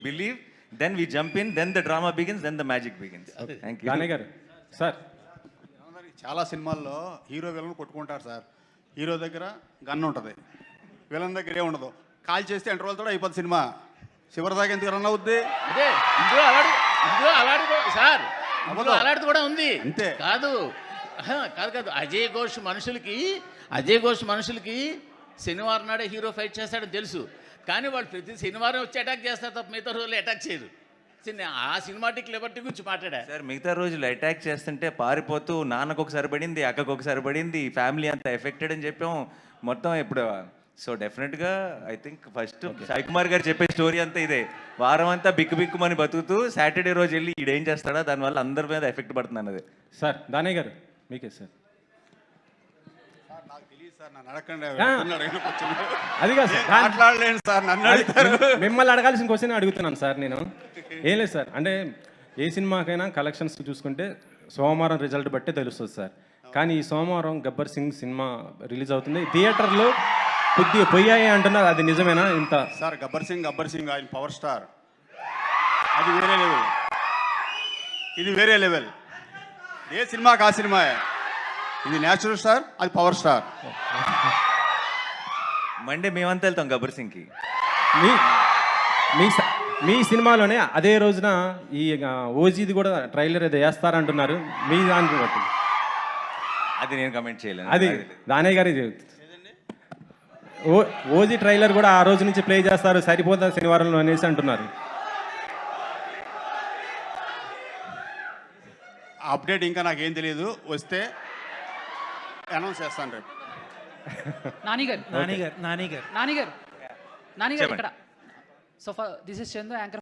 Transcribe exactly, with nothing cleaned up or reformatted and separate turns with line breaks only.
believe, then we jump in, then the drama begins, then the magic begins. Okay. Thank you.
Danayya గారు sir
చాలా సినిమాల్లో hero villain కొట్టుకుంటారు sir. Hero దగ్గర gun ఉంటుంది, villain దగ్గర ఏ ఉండదు. కాల్ చేస్తే ఎంటర్ వాళ్ళతో అయిపోతుంది సినిమా. చివరి దాకా ఎందుకు రన్ అవుద్ది?
అదే ఇందులో అలాంటి ఇందులో అలాంటి సార్ ఇందులో అలాంటిది కూడా ఉంది.
అంతే
కాదు ఆహా, కాదు కాదు అజయ్ ఘోష్ మనుషులకి అజయ్ ఘోష్ మనుషులకి శనివారం నాడే హీరో ఫైట్ చేస్తాడని తెలుసు, కానీ వాళ్ళు ప్రతి శనివారం వచ్చి అటాక్ చేస్తారు తప్ప మిగతా రోజులు అటాక్ చేయరు. ఆ సినిమాటిక్ లిబర్టీ గురించి మాట్లాడా
సార్. మిగతా రోజులు అటాక్ చేస్తుంటే పారిపోతూ నాన్నకు ఒకసారి పడింది, అక్కకు ఒకసారి పడింది, ఫ్యామిలీ అంతా ఎఫెక్టెడ్ అని చెప్పాం మొత్తం. ఇప్పుడు సో డెఫినెట్గా I think first Sai Kumar garu చెప్పే స్టోరీ అంతా ఇదే. వారం అంతా బిక్కు బిక్కుమని బతుకుతూ సాటర్డే రోజు వెళ్ళి ఈడేం చేస్తాడా దానివల్ల అందరి మీద ఎఫెక్ట్ పడుతుంది అన్నది.
సార్ దానయ్య గారు మీకే సార్.
నాకు తెలియదు సార్, నన్ను అడగండి.
అది కాదు సార్,
మాట్లాడలేను సార్, నన్ను అడుగుతారు.
మిమ్మల్ని అడగాల్సిన క్వశ్చన్ అడుగుతున్నాను సార్ నేను. ఏం లేదు సార్, అంటే ఏ సినిమాకైనా కలెక్షన్స్ చూసుకుంటే సోమవారం రిజల్ట్ బట్టే తెలుస్తుంది సార్. కానీ ఈ సోమవారం గబ్బర్ సింగ్ సినిమా రిలీజ్ అవుతుంది, థియేటర్లో కొద్దిగా పోయాయి అంటున్నారు, అది నిజమేనా? ఇంత
సార్ గబ్బర్ సింగ్ గబ్బర్ సింగ్ ఆయన పవర్ స్టార్, అది వేరే లెవెల్, ఇది వేరే లెవెల్. ఏ సినిమాకి ఆ సినిమా, ఇది న్యాచురల్ స్టార్, అది పవర్ స్టార్.
మండే మేమంతా వెళ్తాం గబ్బర్ సింగ్కి.
మీ మీ స- మీ సినిమాలోనే అదే రోజున ఈ ఓజీది కూడా ట్రైలర్ ఏదో వేస్తారంటున్నారు, మీ దానికి బట్టి
అది నేను కమెంట్ చేయలేను.
అది దానయ్య గారి ఓ ఓజీ ట్రైలర్ కూడా ఆ రోజు నుంచి ప్లే చేస్తారు, సరిపోతుంది శనివారంలో అనేసి అంటున్నారు.
అప్డేట్ ఇంకా నాకేం తెలియదు, వస్తే అనౌన్స్ చేస్తాను రేపు.
నానిగారు
నానిగారు నానిగారు
నానిగారు నానిగారు
చెప్పండి.
ఇక్కడ so this is Chandu anchor